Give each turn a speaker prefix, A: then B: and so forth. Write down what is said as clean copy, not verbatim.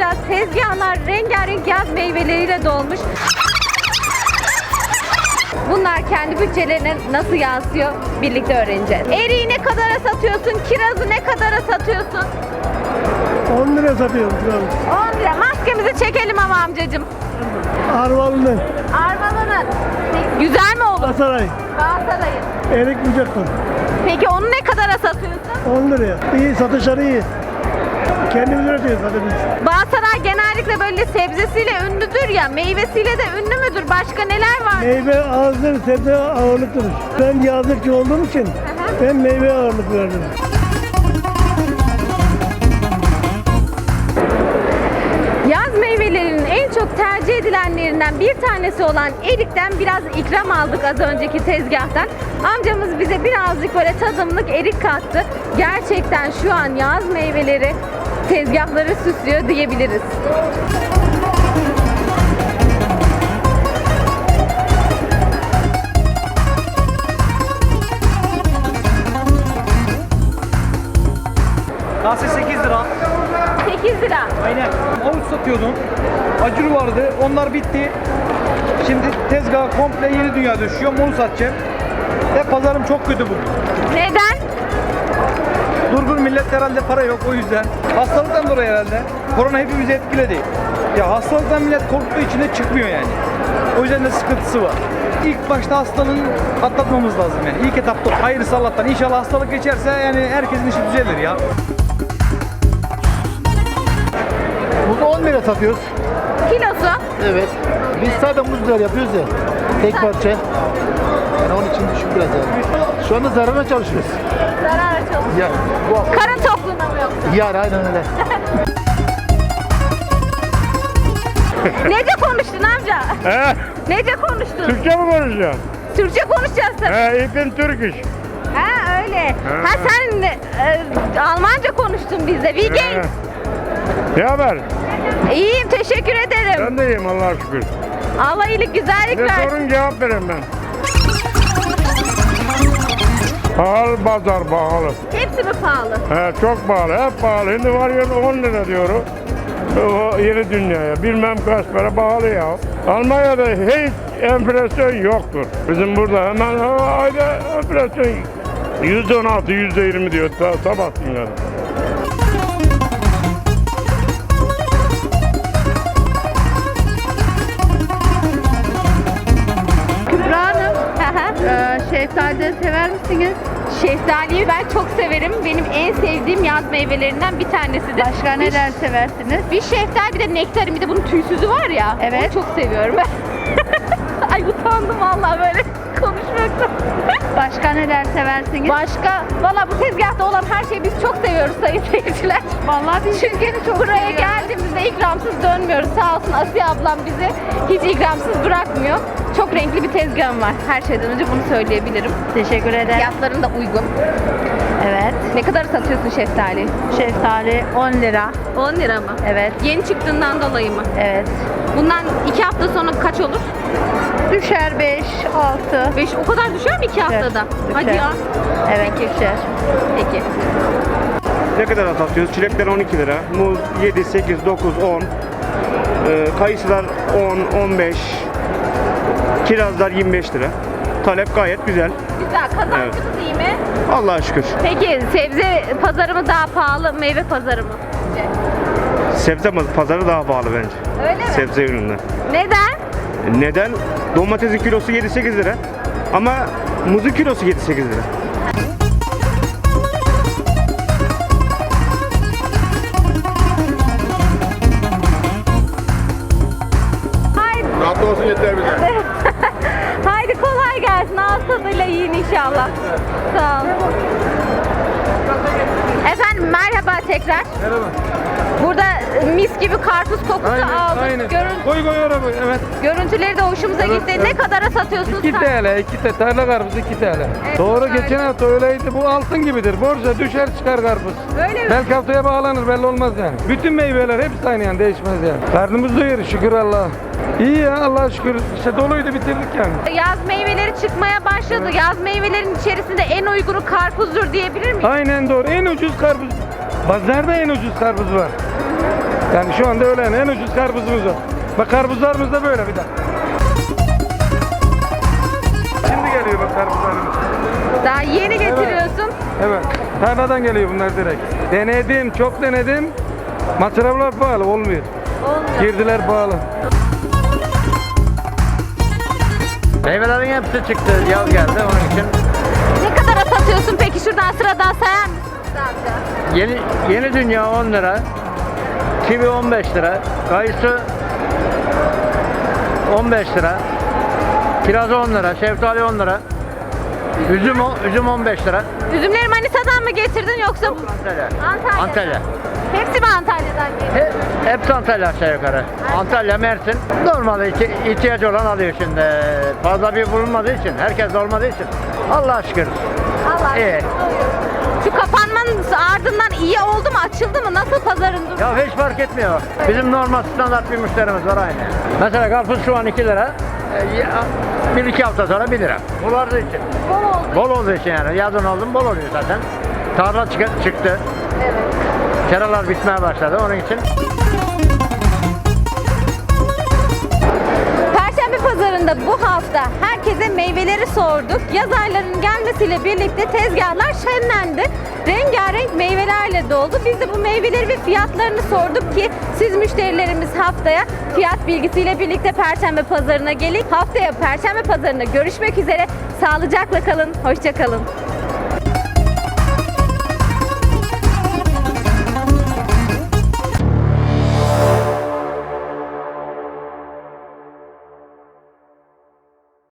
A: tezgahlar rengarenk yaz meyveleriyle dolmuş. Bunlar kendi bütçelerine nasıl yansıyor birlikte öğreneceğiz. Eriği ne kadara satıyorsun? Kirazı ne kadara satıyorsun?
B: 10 lira satıyorum kirazı.
A: 10 lira. Maskemizi çekelim ama amcacığım.
B: Arvalı'nın.
A: Armalı'nın. Güzel mi olur?
B: Asaray.
A: Galatasaray'ın.
B: Erik Bucak'tan.
A: Peki onu ne kadara satıyorsun?
B: 10 liraya. İyi, satışları iyi. Kendimiz üretiyoruz zaten biz.
A: Bağsaray genellikle böyle sebzesiyle ünlüdür ya, meyvesiyle de ünlü müdür? Başka neler var?
B: Meyve azdır, sebze ağırlıktır. Ben yazlıkçı olduğum için ben meyve ağırlık verdim.
A: Yaz meyvelerinin en çok tercih edilenlerinden bir tanesi olan erikten biraz ikram aldık az önceki tezgahtan. Amcamız bize birazcık böyle tadımlık erik kattı. Gerçekten şu an yaz meyveleri tezgahları süslüyor diyebiliriz.
C: Kase 8 lira.
A: 8 lira.
C: Aynen. Havuç satıyordum. Acur vardı. Onlar bitti. Şimdi tezgaha komple yeni dünya düşüyor. Onu satacağım. Ve pazarım çok kötü bugün.
A: Neden?
C: Durgun millet herhalde para yok o yüzden. Hastalıktan dolayı herhalde. Korona hepimizi etkiledi. Ya hastalıktan millet korktuğu için de çıkmıyor yani. O yüzden de sıkıntısı var. İlk başta hastalığın atlatmamız lazım yani. İlk etapta hayırlısı Allah'tan. İnşallah hastalık geçerse yani herkesin işi düzelir ya.
D: Muzu 10 lira satıyoruz.
A: Kilosu.
D: Evet. Biz sadece muzlar yapıyoruz ya. Tek parça. Yani onun için düşük biraz yani. Şu anda zararına çalışıyoruz.
A: Zarar çalışıyor.
D: Ya bu
A: Karın tokluğuna mı yoksa?
D: yani aynen öyle.
A: Nece konuştun amca?
E: He?
A: Nece konuştun?
E: Türkçe mi konuşuyorsun?
A: Türkçe konuşacağız tabii.
E: He, ich bin Türkisch.
A: Ha öyle. Ha sen Almanca konuştun bizde. Wie geht's?
E: Ne haber?
A: İyiyim, teşekkür ederim.
E: Ben de iyiyim Allah'a şükür.
A: Allah iyilik, güzellik
E: Ne
A: versin.
E: sorun cevap vereyim ben. Pahalı pazar pahalı.
A: Hepsi mi pahalı?
E: He, çok pahalı, hep pahalı. Şimdi var ya 10 lira diyorum. O yeni dünyaya. Bilmem kaç para pahalı ya. Almanya'da hiç enflasyon yoktur. Bizim burada hemen ayda enflasyon %16, %20 diyor sabah günleri.
A: Kübra Hanım, şeftali sever misiniz? Şeftaliyi ben çok severim. Benim en sevdiğim yaz meyvelerinden bir tanesidir.
F: Başka neler seversiniz?
A: Bir şeftali, bir de nektarin, bir de bunun tüysüzü var ya.
F: Evet.
A: Onu çok seviyorum. Ay utandım vallahi böyle konuşmaktan.
F: Başka neler seversiniz?
A: Başka, valla bu tezgahta olan her şeyi biz çok seviyoruz sayın seyirciler.
F: Vallahi biz
A: Çünkü buraya geldiğimizde ikramsız dönmüyoruz. Sağ olsun Asiye ablam bizi hiç ikramsız bırakmıyor. Çok renkli bir tezgahım var. Her şeyden önce bunu söyleyebilirim.
F: teşekkür ederim.
A: Fiyatların da uygun.
F: Evet.
A: Ne kadar satıyorsun şeftali?
F: Şeftali 10 lira.
A: 10 lira mı?
F: Evet.
A: Yeni çıktığından dolayı mı?
F: Evet.
A: Bundan 2 hafta sonra kaç olur?
F: Düşer 5, 6.
A: 5, o kadar düşer mi 2 haftada?
F: Düşer.
A: Hadi ya.
F: Evet düşer.
A: Peki.
G: Ne kadar satıyoruz? Çilekler 12 lira, muz 7, 8, 9, 10, kayısılar 10, 15, kirazlar 25 lira. Talep gayet güzel.
A: Güzel. Kazancımız iyi mi?
G: Allah'a şükür.
A: Peki sebze pazarı mı daha pahalı, meyve pazarı mı?
G: Sebze pazarı daha pahalı bence.
A: Öyle mi?
G: Sebze ürünler.
A: Neden?
G: Neden? Domatesin kilosu 7-8 lira ama muzun kilosu 7-8 lira.
A: Haydi.
D: Rahat olsun yeter bize.
A: Haydi kolay gelsin. Ağız tadıyla yiyin inşallah. Sağ olun. Efendim merhaba tekrar.
C: Merhaba.
A: Burada mis gibi karpuz kokusu aldık.
C: Koy araba. Evet.
A: Görüntüleri de hoşumuza gitti.
C: evet.
A: Ne kadara satıyorsunuz?
C: 2 TL, 2 TL. Tarla karpuzu 2 TL.
A: Evet,
C: Doğru
A: öyle.
C: geçen hafta öyleydi. Bu altın gibidir. Borca düşer çıkar karpuz.
A: Öyle mi?
C: Belki haftaya bağlanır belli olmaz yani. Bütün meyveler hepsi aynı yani değişmez yani. Karnımız doyuyor şükür Allah'a. İyi ya Allah'a şükür. İşte doluydu bitirdik yani.
A: Yaz meyveleri çıkmaya başladı. Yaz meyvelerinin içerisinde en uygunu karpuzdur diyebilir miyim?
C: Aynen doğru. En ucuz karpuz. Pazarda en ucuz karpuz var. Yani şu anda öyle en ucuz karpuzumuz o. Bak karpuzlarımız da böyle bir de. Şimdi geliyor bak karpuzlarımız.
A: Daha yeni getiriyorsun.
C: Evet. Tarladan geliyor bunlar direkt. Denedim, çok denedim. Masraflar pahalı, olmuyor.
A: Olmuyor.
C: Girdiler pahalı.
H: Meyvelerin hepsi çıktı. Yaz geldi onun için.
A: Ne kadara satıyorsun peki? Şuradan sıradan sayar mısın amca?
H: Yeni dünya 10 lira. Kivi 15 lira. Kayısı 15 lira. Kiraz 10 lira. Şeftali 10 lira. Üzüm 15 lira.
A: Üzümleri Manisa'dan mı getirdin yoksa?
H: Antalya.
A: Antalya.
H: Antalya.
A: Hepsi mi Antalya'dan geliyor?
H: Hepsi Antalya aşağı yukarı. Antalya, Mersin. Normalde ihtiyacı olan alıyor şimdi. Fazla bir bulunmadığı için, herkes de olmadığı için. Allah'a şükür.
A: Allah
H: İyi.
A: aşkına. Şu kapanmanın ardından iyi oldu mu? Açıldı mı? Nasıl pazarın durumu?
H: Ya hiç fark etmiyor. Bizim normal standart bir müşterimiz var aynı. Mesela karpuz şu an 2 lira. 1-2 hafta sonra 1 lira. Bol olduğu için. Bol olduğu için yani. Yazın oldu mu bol oluyor zaten. Tarla çıktı.
A: Evet.
H: Seralar bitmeye başladı onun için.
A: Perşembe pazarında bu hafta herkese meyveleri sorduk. Yaz aylarının gelmesiyle birlikte tezgahlar şenlendi. Rengarenk meyvelerle doldu. Biz de bu meyveleri ve fiyatlarını sorduk ki siz müşterilerimiz haftaya fiyat bilgisiyle birlikte Perşembe pazarına gelin. Haftaya Perşembe pazarında görüşmek üzere. Sağlıcakla kalın, hoşça kalın.